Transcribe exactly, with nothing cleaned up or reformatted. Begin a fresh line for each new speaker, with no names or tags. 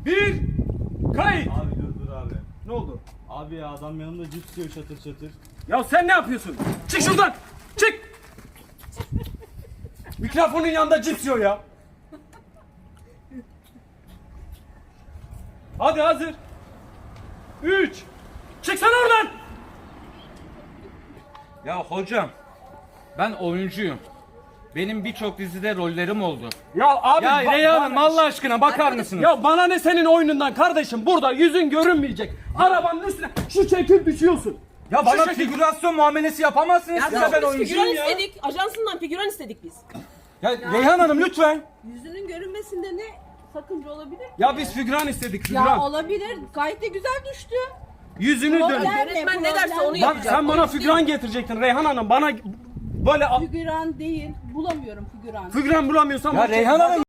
bir, kayıt.
Abi dur dur abi.
Ne oldu?
Abi ya adam yanımda cips yiyor çatır çatır.
Ya sen ne yapıyorsun? Çık şuradan. Çık. Mikrofonun yanında cips yiyor ya. Hadi hazır. Üç. Çıksana oradan.
Ya hocam, ben oyuncuyum. Benim birçok dizide rollerim oldu.
Ya abi.
Ya
ba-
Reyhan Hanım,
bana-
Allah aşkına bakar mısınız?
Ya bana ne senin oyunundan kardeşim? Burada yüzün görünmeyecek. Arabanın üstüne şu çekip düşüyorsun.
Ya
Şu
bana
şekil-
figürasyon muamelesi yapamazsınız.
Ya
Size
biz
ben
figüran
oyuncuyum ya.
istedik. Ajansından figüran istedik biz.
Ya Reyhan Hanım lütfen.
Yüzünün görünmesinde ne sakınca olabilir ki?
Ya biz figüran istedik
Ya
figüran.
olabilir. Gayet de güzel düştü.
Yüzünü dön.
Problem
Yönetmen ne derse onu
Bak
yapacak.
sen bana
Oyuncu
figüran
değil.
getirecektin Reyhan Hanım. Bana böyle a-
Figüran değil. Bulamıyorum figüran.
figüran bulamıyorsan
Ya
bak-
Reyhan Hanım